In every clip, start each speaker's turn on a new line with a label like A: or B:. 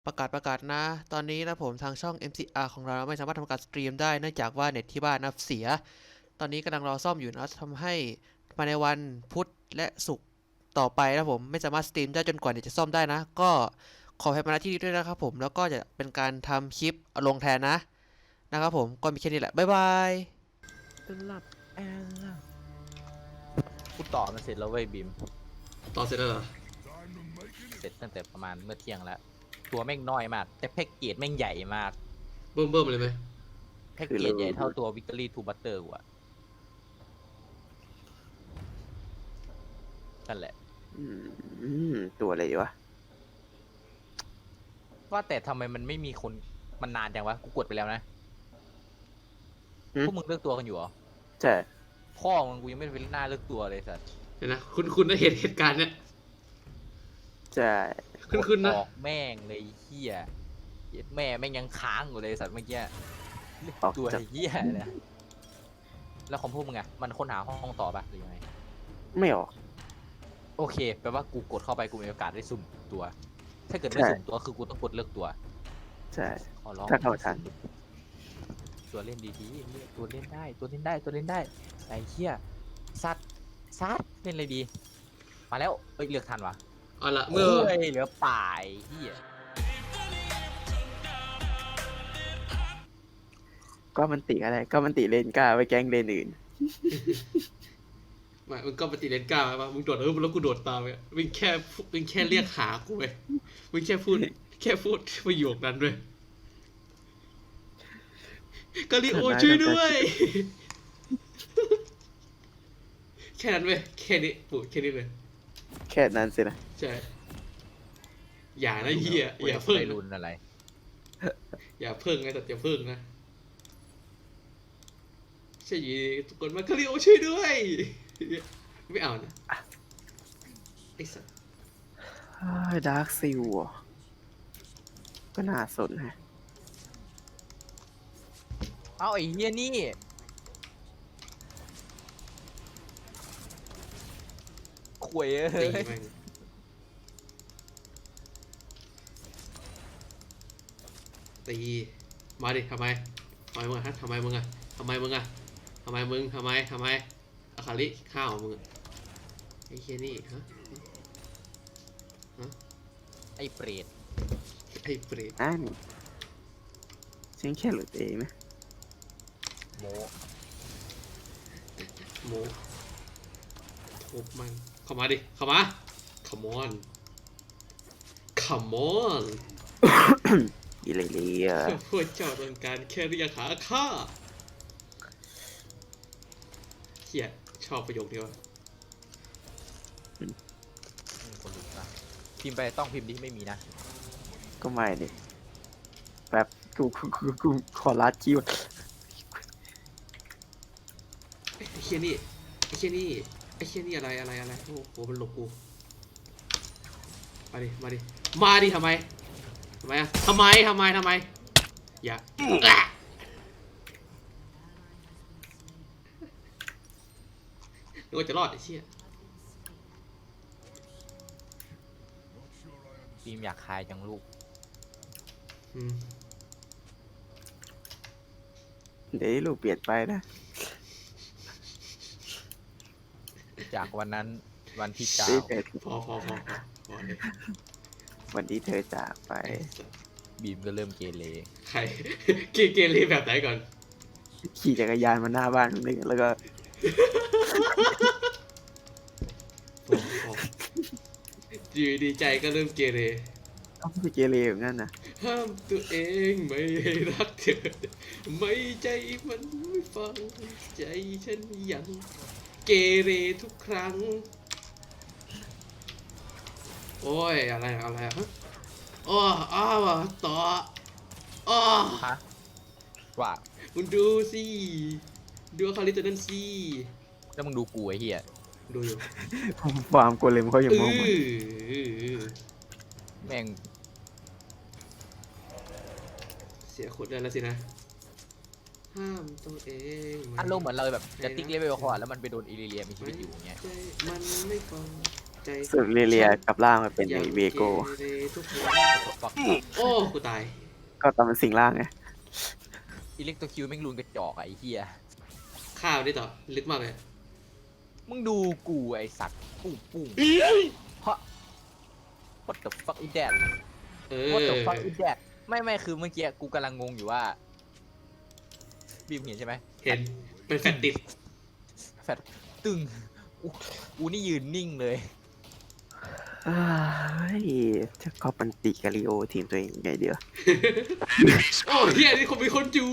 A: ประกาศนะตอนนี้นะผมทางช่อง MCR ของเราไม่สามารถทำการสตรีมได้เนื่องจากว่าเน็ตที่บ้านนะเสียตอนนี้กำลังรอซ่อมอยู่นะทำให้ภายในวันพุธและศุกร์ต่อไปนะผมไม่สามารถสตรีมได้จนกว่าเน็ตจะซ่อมได้นะก็ขอให้มาณที่นี้ด้วยนะครับผมแล้วก็จะเป็นการทำคลิปลงแทนนะครับผมก็มีแค่นี้แหละบ๊ายบาย
B: หลับแอลล่ะกูต่อมันเสร็จแล้วเว้ยบีม
A: ต่อเสร็จแล้วเหรอ
B: เสร็จตั้งแต่ประมาณเมื่อเที่ยงแล้วตัวแม่งน้อยมากแต่แพ็กเกจแม่งใหญ่มาก
A: เบิ่มเลยไหม
B: แพ็กเกจใหญ่เท่าตัว Victory to Butter กูอะนั่นแหละ
C: ตัวอะไรวะ
B: ว่าแต่ทำไมมันไม่มีคนมันนานจังวะกูกดไปแล้วนะพวกมึงเลือกตัวกันอยู่เหรอ
C: ใช่
B: พ่อมึงกูยังไม่เป็นหน้าเลือกตัวเลยสัส
A: เห็นนะคุณได้เหตุการณ์เนี้ย
C: ใช่
A: คุณนะ
B: ออกแม่งเลยเฮียแม่แม่งยังค้างอยู่เลยสัตว์เมื่อกี้ตัวเฮียเนี่ยแล้วของพวกมึงอะมันค้นหาห้องต่อปะหรือยังไง
C: ไม่ออก
B: โอเคแปลว่ากูกดเข้าไปกูมีโอกาสได้สุ่มตัวถ้าเกิดไม่สุ่มตัวคือกูต้องกดเลือกตัว
C: ใช่
B: ขอร้อง
C: ถ้าเข้าทัน
B: ตัวเล่นดีๆตัวเล่นได้ไอ้เหี้ยซัดเล่นเลยดีมาแล้วเลือกทันวะ
A: เอาละเมื่อ
B: เหลือป่ายเหี้ย
C: ก็มันติอะไรก็มันติเลนกล้าไปแกล้งเลนอื่น
A: ไม่มึงก็ปฏิเลนกล้าป่ะมึงโดดแล้วกูโดดตามไปมึงแค่เรียกหากูไปมึงแค่พูดประโยคนั้นด้วยกาลิโอช่วยด้วยแค่นั้นเว้ยแค่นี้ปุ๊แค่นี้เลย
C: แค่นั้นสินะ
A: ใช่อย่านะเฮียอย่าเพิ่ง
B: รุนอะไร
A: อย่าเพิ่งไงแต่อย่าเพิ่งนะใช่ยีทุกคนมาคาริโอช่วยด้วยไม่เอานะไอ้สัส
C: ดาร์คซิลก็น่าสนฮะ
B: เอาไอ้เฮียนี่ขวยเฮ้ย
A: ตีมาดิทำไมมึงอะทำไมมึงอะอาคาริข้าวมึงไอ้เคียนี่ฮะ
B: ไอ้เปรต
C: ฉันแค่หลุดเองนะ
B: โ
A: มทุบมันเข้ามาดิเข้ามา come on
C: อีเลย
A: พวกเจ้าต้องการแค่เรียกหาข้าเฮียชอบประโยคนี้ว่ะ
B: คนลุกนะพิมพ์ไปต้องพิมพ์ที่ไม่มีนะ
C: ก็ไม่ดิแบบกูขอลัดคิว
A: ไอ้เคียนี่อะไรโอ้โหมันหลบกูมาดิทำไมอะทำไมอย่านึกว่าจะรอดไอ้เชี่ย
B: พิมพ์อยากคายจังลูก
C: เดี๋ยวลูกเปลี่ยนไปนะ
B: จากวันนั้นวันที่เก้า
A: พอเลย
C: วันที่เธอจากไป
B: บีมก็เริ่มเกเร
A: ใครเกเรแบบไหนก่อน
C: ขี่จักรยานมาหน้าบ้านนึงแล้วก็
A: ดีใจก็เริ่มเกเร
C: ต้องไปเกเรแบบนั้นนะ
A: ห้ามตัวเองไม่ให้รักเธอไม่ใจมันไม่ฟังใจฉันยังเกเรทุกครั้งโอ้ยอะไรฮะต่อ
B: ฮะว่า
A: มึงดูสิดูคาริตัวนั้นสิ
B: แล้วมึงดูกูไอ้เหี้ย
A: ดูอยู่
C: ฟาร์มโกเลมเขาอย่างมอง
B: แม่ง
A: เสียคนได้แล้วสินะห้ามตัวเอง
B: อารมณ์เหมือนเราแบบจะติ๊กเลเวลคอร์แล้วมันไปโดนอิริเลียมีชีวิตอยู่อย่างเงี้ย
A: มันไม่ฟังใจใจ
C: สึกเรียๆกับร่างมาเป็นไอเวโก้
A: เรทุกคน
B: ฟัก
A: โอ้กูตาย
C: ก็ตอนเป็นสิ่งร่างไง
B: อิเล็กโตคิวแม่งลุนกระจอกอะไอ้เหี้ย
A: ข้าวนี่ต่อลึกมากเลย
B: มึงดูกูไอ้สัตว์ปุ้งปุ้งฮะ what the fuck is that
A: เอ
B: what the
A: อ
B: fuck is that ไม่คือเมื่อกี้กูกำลังงงอยู่ว่าบีมเห็นใช่ไหม
A: เห็นเป็นแฟนติด
B: แฟดตึงกูนี่ยืนนิ่งเลย
C: เอ้ยจะก็ปันติกาลิโอทีมตัวเองไงเดียว
A: โอ้เฮียนี่คงมีคนอยู่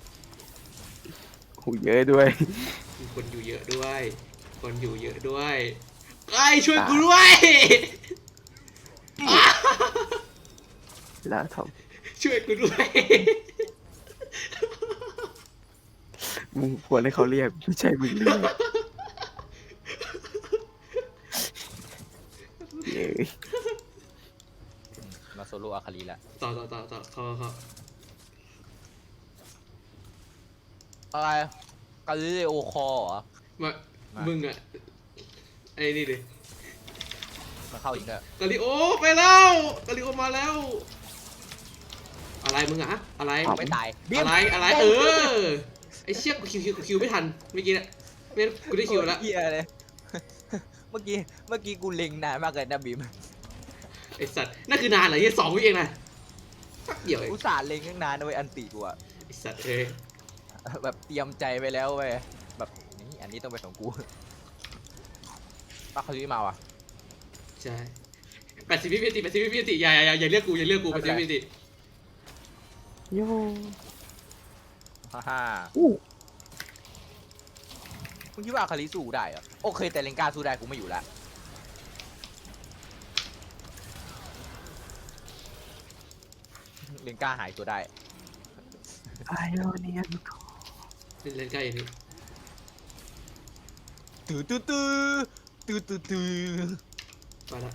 C: หูเยอะด้วย
A: มีคนอยู่เยอะด้วย คนอยู่เยอะด้วยไอ้ช่วยกูด้วย
C: แล้วทอม
A: ช่วยกูด้วย
C: มึงควรให้เขาเรียกไม่ใช่มึงเรียกเย้ย
B: มาโซโล่อาคารีละ
A: ต่อเขา
B: อะไรกาลิเลโอคอเหรอ
A: มามึงอะไอ้นี่ดิ
B: มันเข้าอีกแล้ว
A: กาลิโอไปแล้วกาลิโอมาแล้ว อะไรมึงอะอะไร
B: ไม่ตาย
A: อะไรเออไอ้เชี่ยกูคิวไม่ทันเมื่อกี้เนี่ยไม่งั้นกูได้คิวแล้ว
B: เหี้ยเลย เมื่อกี้กูเล็งนานมากเลยนะบีม
A: ไอ้สัตว์นั่นคือนานเหรอยี่2 วิเองนะแป๊บเดียวเอง
B: อุตส่าห์เล็งตั้งนานนะเว้ยอันติกูอะ
A: ไอ้สัตว์เอ้ย
B: แบบเตรียมใจไปแล้วเว้ยแบบนี่อันนี้ต้องเป็นของกูป้าเขาซื้อมาว่ะ
A: ใช่80 วินาทีอย่าเรียกกู80 วินาที
C: โย่
B: ฮ่า
C: อู้
B: มึงคิดว่าอาคาริสู้ได้เหรอโอเคแต่เลนกาสู้ได้กูไม่อยู่ละเลนกาหายตัวได้
C: ไอโอเนียน
A: เล่นใกล้อย่างนี้
B: ตื้อ
A: ไปละ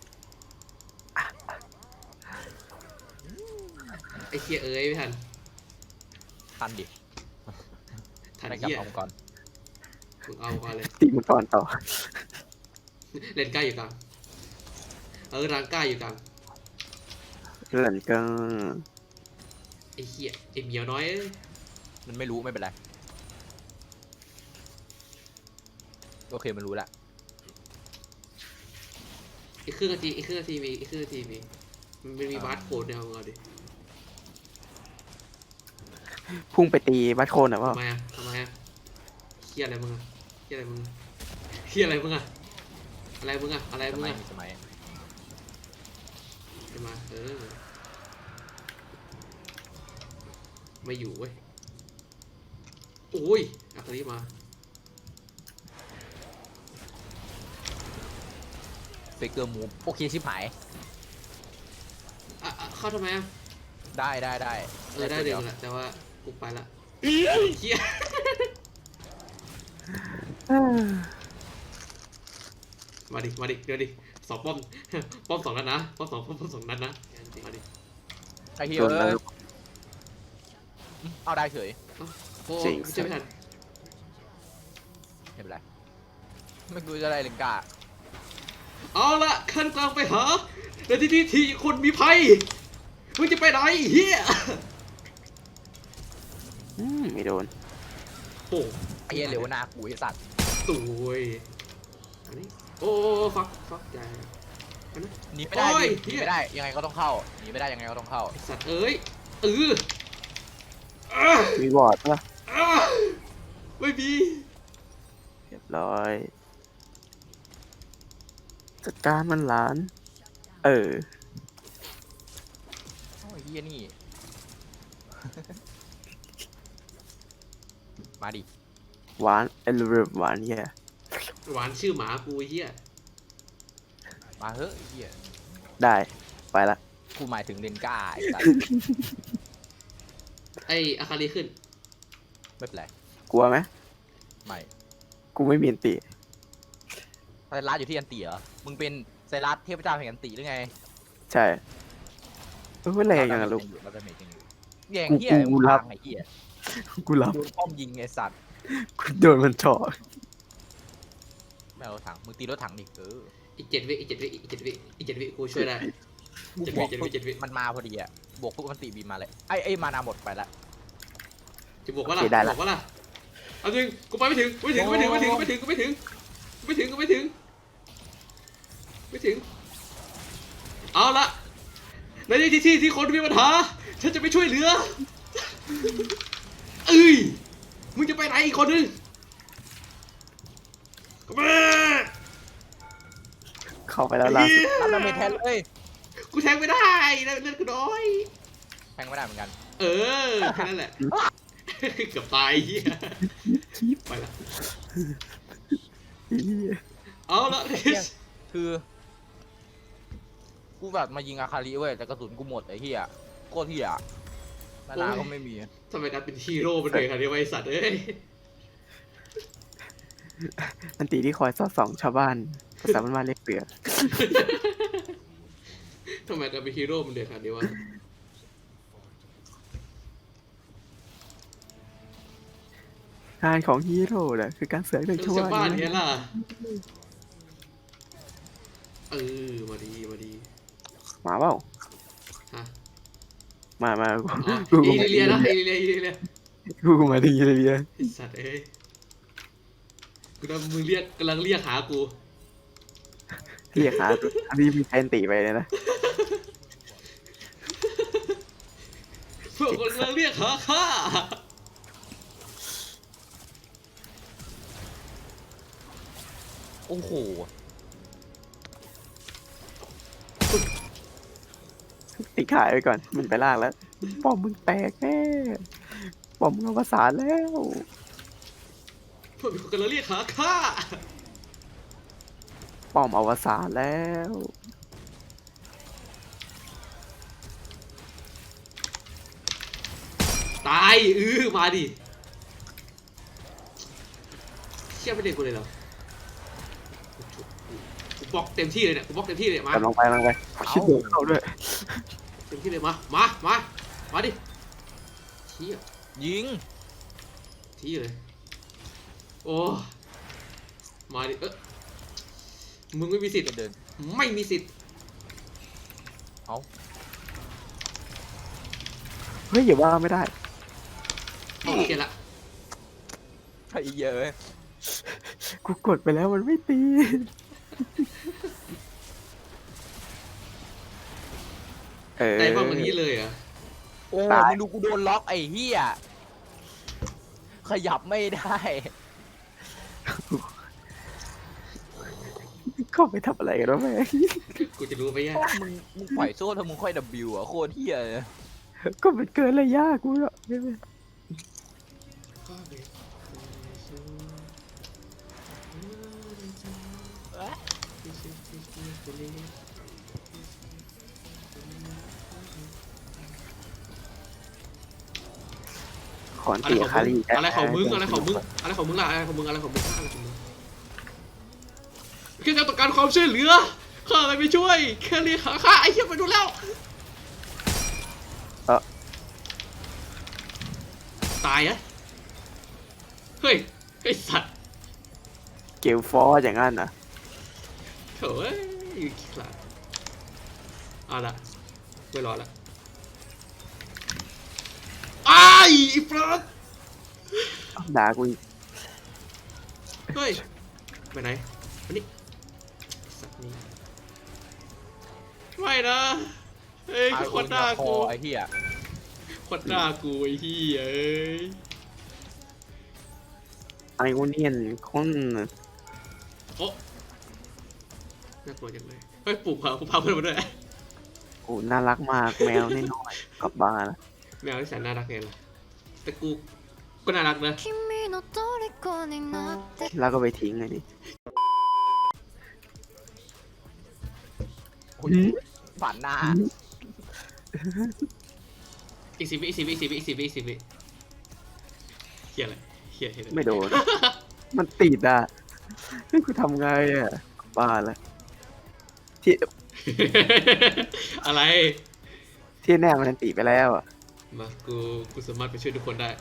A: ไอ้เคียเอ้ยไม่ทัน
B: ทันดิ
A: ทัน
B: ไม่กลับ
A: เหี้ย
B: เอาก่อน
A: มึงเอาก่อนเลย
C: ตีมังกรต่อ
A: เล่นใกล้อยู่กลางรางใกล้อยู่กลาง
C: หลันก็
A: ไอ้เคียไอ้เหมียวน้อยเอ้ย
B: มันไม่รู้ไม่เป็นไรโอเคมันรู้ละ
A: อีกครึ่งนาทีมีมันมีบาร์โค้ดเนี่ยเอามึงเอาดิ
C: พุ่งไปตีบัตโคนอ่ะว่า
A: ทำไมอะเคียอะไรมึงอะอะไรมึงอะ
B: สมัยมีสมัย
A: ไปมาไม่อยู่เว้ยโอ้ยอาคาริมา
B: เฟกเกอร์มูฟโอเคชิบหาย
A: เข้าทำไมอะ
B: ได้
A: ได้
B: เดี๋
A: เดี๋
B: ย
A: ยว วแหละแต่ว่ากูไปละเคียมาดิเดี๋ยวดิสองป้อม 2 นัดนะป้อมสองนัดนะมาดิ
B: ไอ้เหี้ย
C: โดนแล้ว
B: เอาได้เฉย
A: โอ้
C: จริง
A: เจะไม่ทัน
B: ไม่เป็นไรไม่รู้จะได้เลนกา
A: เอาละขั้นกลางไปหาในที่คนมีภัยมึงจะไปไหนเฮีย
C: ไม่โดน
A: โอ้
B: ไอ้เหี้ยเหลวหน้ากูไอ้สัตว์
A: ตุยอันนี้โอ้ฟักใจ
B: หนีไม่ได้
A: โอ้ย
B: ดิหนีไม่ได้ยังไงก็ต้องเข้าหนีไม่ได้ยังไงก็ต้องเข้า
A: ไอ้สัตว์เอ้ยอ่ะ
C: มีวอร์ดปะ
A: อ่ะไม่มี
C: เรียบร้อย จัดการมันหลาน
B: โอ้ยเหี้ยนี่ มาดิ
C: หวานเอลเวอร์หวานเฮีย
A: หวานชื่อหมากูไอ้เฮีย
B: มาเฮ้ยไอ้เหี้ย
C: ได้ ไปละ
B: กูหมายถึงเลนกาไอ้สัตว์
A: ไออาคาริขึ้น
B: ไม่เป็นไร
C: กลัวไหม
B: ไม่
C: กูไม่มีอันติ
B: ไซรัสอยู่ที่อันติเหรอมึงเป็นไซรัสเทพเจ้าแห่งอันติหรือไง
C: ใช่แรงยังอะลูก
B: เราจะเมจยังอยู่แย่ง
C: กู
B: เหี้ย
C: กูรับ
B: ไอ้เหี้ย
C: กูรับ
B: โดนป้อมยิงไอ้สัตว์
C: กูโดนมันเจาะ
B: ไม่เอารถถังมึงตีรถถังดิ
A: อีก7 วิอีก7 วิอีก7 วิอีก7 วิกูช่วยได้
B: กู
A: 7
B: บ
A: วิ
B: วก
A: 7 วิ7 วิ
B: มันมาพอดีอะบวกปุ๊บมันตีบีมมาเลยไอ้มานาหมดไปละ
A: จะบวกว่าล่ะบอกว่าล่ะเอาจริงกูไปไม่ถึงไม่ถึงไม่ถึงไม่ถึงไม่ถึงกูไม่ถึงไม่ถึงกูไม่ถึงไม่ถึงเอาละในที่คนมีปัญหาฉันจะไปช่วยเหลือเอ้ยมึงจะไปไหนอีกคนนึงก็มา
C: เข้าไปแล้วล่าสุด
B: รับดาเมจแทนเลย
A: กูแทงไม่ได้เลือดกูน้อย
B: แทงไม่ได้เหมือนกัน
A: เออแค่นั้นแหละเกือบตายเฮียไปละเอาละ
B: คือกูแบบมายิงอาคาริเว้ยแต่กระสุนกูหมดไอ้เหี้ยโคตรเหี้ยมานาก็ไม่มี
A: ทำไมการเป็นฮีโร่เป็นเลยค่ะเนี่ยไอ้สัตว์เอ้ย
C: อันตีที่คอยสอดส่องชาวบ้านภาษาบ้านๆเรียกเปลือก
A: ทำไมการเป็นฮีโร่มันเดือดขนาดนี้วะ
C: งานของฮีโร่น่ะคือการเสือกเรื่อง
A: เรื่
C: ชา
A: อง
C: ว
A: ชาว
C: บ้า
A: บ้าน
C: น
A: เนี้
C: นี่
A: ยล่ะเออมาดี
C: มาเปล่า
A: ฮะ
C: มา
A: อ๋อ
C: กู
A: อีลิเลียนะอีลิเลีย
C: กูมาดีเลยเนี่ย
A: ไอ้สัตว์เอ้ยกูกำลังมึงเรียกกำลังเรียกหากู
C: เรียกหาตัวอันนี้มีแทนตีไปเลยนะ
A: พวกคนกำลังเรียกหาข้า
B: โอ้โห
C: ตีขายไปก่อนมันไปลากแล้วป้อมมึงแตกแน่ป้อมมึงอวสานแล้ว
A: พวกคนกำลังเรียกหาข้า
C: ป้อมอวสานแล้ว
A: ตายมาดิเชี่ยไม่เด็กกูเลยเหรอกูบล็อกเต็มที่เลยเนี่ยกูบล็อกเต็มที่เลยมาก
C: ำลังไปชิดโดดเข้าด้วย
A: เต็มที่เลยมาดิเชี่ย
B: ยิง
A: ที่เลยโอ้มาดิมึงไม่มีสิทธิ์
B: เดิน
A: ไม่มีสิทธิ์
B: เอา
C: เฮ้ยอย่าว่าไม่ได้
A: โอเคละ
B: ไอ้เหี้ยเอ้ย
C: กูกดไปแล้วมันไม่ตี
A: ใจว่ามันนี้เลยเหรอ่ะ
B: โอ้มึงดูกูโดนล็อกไอ้เหี้ยขยับไม่ได้
C: เข้าไปทำอะไรกันวะแม่ง
A: กูจะรู้ไปยัง
B: มึงปล่อยโซ่ถ้ามึงค่อย W อ่ะโคตรเหี้ยเลย
C: ก็มันเกินระยะกูแล้วไม่เป็น ขอน
A: อะไร
C: ตี
A: ของ
C: คา
A: มึ
C: รี
A: งอะไรของมึงอะไรของมึงอะไรของมึงล่ะอะไรของมึงอะไรของมึงแค่ต้องการความช่วยเหลือข้าอะไรไม่ช่วยแค่เรียกหาข้าไอ้เหี้ยไปดูแล้วตายอะเฮ้ยไอ้สัตว์
C: เกลฟอร์อย่างนั้นนะ
A: โถ่อยู่ขี้ขลาดเอาละไม่รอละไอ้ฟรอส
C: ด่ากูอีก
A: เฮ้ยไปไหนมานี่สัตว์นี่ไม่นะเฮ้ยคือคนหน้ากู
B: ไอ้เหี้ย
A: คนหน้ากูไอ้เหี้ยเอ้ย
C: ไอโอเนียนคน
A: โอ้น่ากลัวจังเลยเฮ้ยปลูกกูพาเพื่อนมาด้วย
C: โอ้น่ารักมากแมวน้อยๆกลับบ้านแล้ว
A: แมวที่แสนน่ารักไงล่ะแต่กูก็น่ารักนะ
D: 君の虜になって
C: แล้วก็ไปทิ้งเลยดิ
B: โอ้ยฝันหน้า
A: อีก10 วิเฮียอะไรเฮีย
C: ไม่โดน มันติดอ่ะนี่กูทำไงอ่ะกลับบ้านแล้วที่
A: อะไร
C: ที่แน่มันติดไปแล้วอ่ะ
A: มากูสามารถไปช่วยทุกคนได้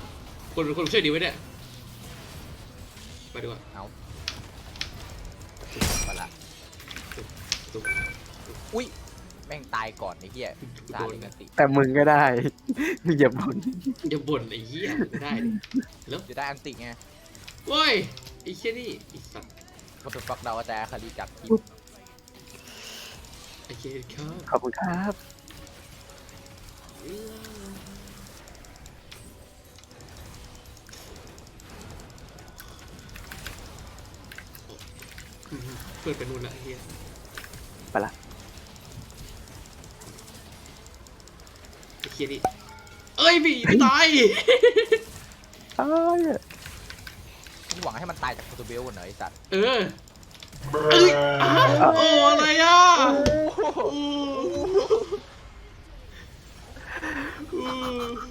A: คนช่วยดีไว้เนี่ยไปดีกว่า
B: เอามาละ
E: ตุ๊บ
B: อุ้ยแม่งตายก่อนไอ้เหี้ยตายเลยกันติ
C: แต่มึงก็ได้ มึงอย่าบ่น
E: อย่าบ่นไอ้เหี้ยไม่ได้ดิแล้ว
B: จะได้อันติไง
E: โว้ยไอ้เหี้ยนี่ไอ้สัตว์
B: ก็เป็นฟักดาวแต่คดีจากทีม
E: ไอ้เหี้ยครับ
C: ขอบคุณครับ
E: เปิดไปนู่นละไอ้เหี้ย
C: ไปละ
E: ไอ้เหี้ยนี่เอ้ยพี่ไม่ตาย
C: อ้ายอะ
B: มึงหวังให้มันตายจากโปรตุเบลเหรอไอ้สัตว์
E: เออเอ้ยอ้าวโอ้อะไรอ่ะอู้